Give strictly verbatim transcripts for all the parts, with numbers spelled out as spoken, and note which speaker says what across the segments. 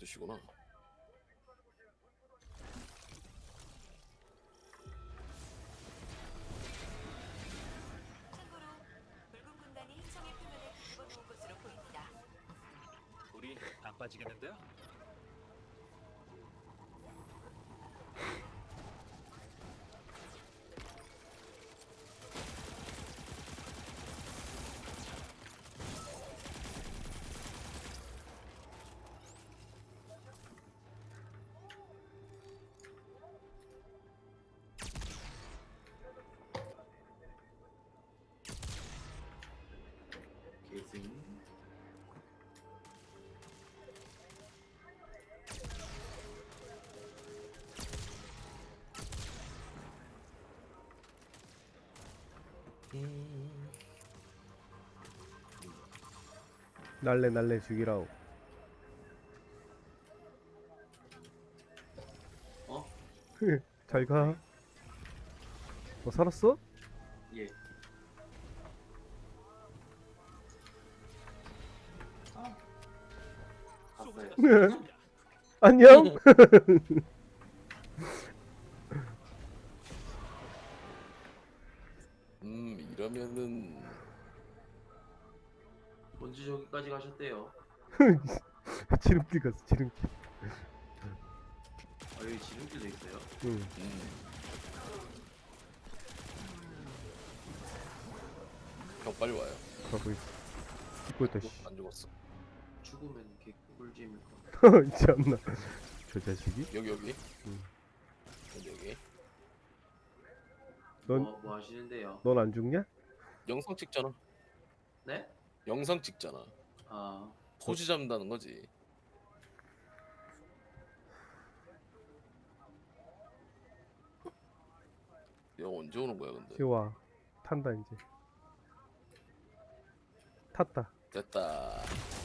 Speaker 1: 뜻이구나.
Speaker 2: 참고로 붉은 군단이 행성의 표면에 뒤집어 놓은 것으로 보입니다.
Speaker 3: 우리 안 빠지겠는데요?
Speaker 4: 계승.
Speaker 5: 날래 날래 죽이라오.
Speaker 4: 어?
Speaker 5: 잘 가. 어 살았어?
Speaker 4: 예. 아. 갔어요.
Speaker 5: 안녕.
Speaker 1: 음 이러면은
Speaker 4: 먼저 저기까지 가셨대요.
Speaker 5: 지름길 갔어 지름길.
Speaker 4: 아 여기 지름길도 있어요.
Speaker 5: 응.
Speaker 1: 음. 형 빨리 와요.
Speaker 5: 가고 있어. 죽고 있다 씨.
Speaker 1: 안 죽었어.
Speaker 4: 죽으면 개꿀잼일 거.
Speaker 5: 있지 않나. 저 자식이?
Speaker 1: 여기 여기.
Speaker 5: 음.
Speaker 1: 여기 여기.
Speaker 5: 넌-
Speaker 4: 뭐, 뭐 하시는데요?
Speaker 5: 넌 안 죽냐?
Speaker 1: 영상 찍잖아.
Speaker 4: 네?
Speaker 1: 영상 찍잖아.
Speaker 4: 아
Speaker 1: 포즈 잡는다는 거지. 야 언제 오는 거야 근데?
Speaker 5: 지와 탄다 이제. 탔다.
Speaker 1: 됐다.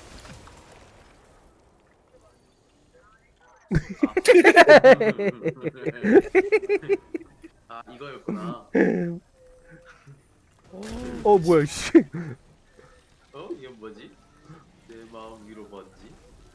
Speaker 4: 아 이거였구나.
Speaker 5: 어 뭐야 씨.
Speaker 4: 어? 이게 뭐지? 내 마음 위로 번지.